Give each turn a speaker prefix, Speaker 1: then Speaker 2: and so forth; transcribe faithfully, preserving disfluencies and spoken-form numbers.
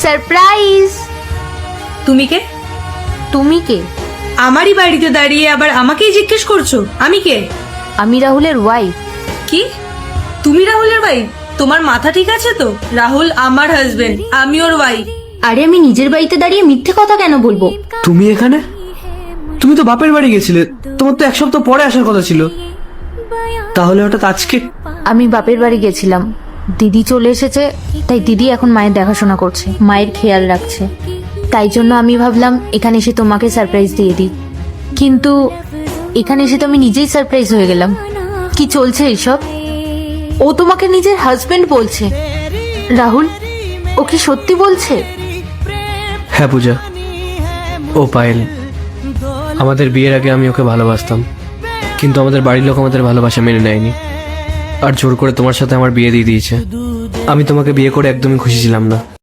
Speaker 1: Surprise.
Speaker 2: তুমি কে?
Speaker 1: তুমি কে?
Speaker 2: আমারই বাড়িতে দাঁড়িয়ে আবার আমাকেই জিজ্ঞেস করছো আমি কে?
Speaker 1: আমি রাহুলের ওয়াইফ।
Speaker 2: কি? তুমি রাহুলের ওয়াইফ? তোমার মাথা ঠিক আছে তো? রাহুল আমার হাজবেন্ড, আমি ওর ওয়াইফ।
Speaker 1: আরে আমি নিজের বাড়িতে দাঁড়িয়ে মিথ্যে কথা কেন বলবো?
Speaker 3: তুমি এখানে? তুমি তো বাপের বাড়ি গেছিলে, তোমার তো এক সপ্তাহ পরে আসার কথা ছিল, তাহলে হঠাৎ আজকে?
Speaker 1: আমি বাপের বাড়ি গেছিলাম, দিদি চলে এসেছে, তাই দিদি এখন মায়ের দেখাশোনা করছে, মায়ের খেয়াল রাখছে। তাই জন্য আমি ভাবলাম এখানে এসে তোমাকে সারপ্রাইজ দিয়ে দিই। কিন্তু এখানে এসে তো আমি নিজেই সারপ্রাইজ হয়ে গেলাম। কি চলছে এইসব? ও তোমাকে নিজের হাজবেন্ড বলছে। রাহুল, ও কি সত্যি বলছে?
Speaker 3: হ্যাঁ পূজা, ও পায়েল। আমাদের বিয়ের আগে আমি ওকে ভালোবাসতাম, কিন্তু আমাদের বাড়ির লোক আমাদের ভালোবাসা মেনে নেয়নি, আর জোর করে তোমার সাথে আমার বিয়ে দিয়ে দিয়েছে। আমি তোমাকে বিয়ে করে একদমই খুশি ছিলাম না।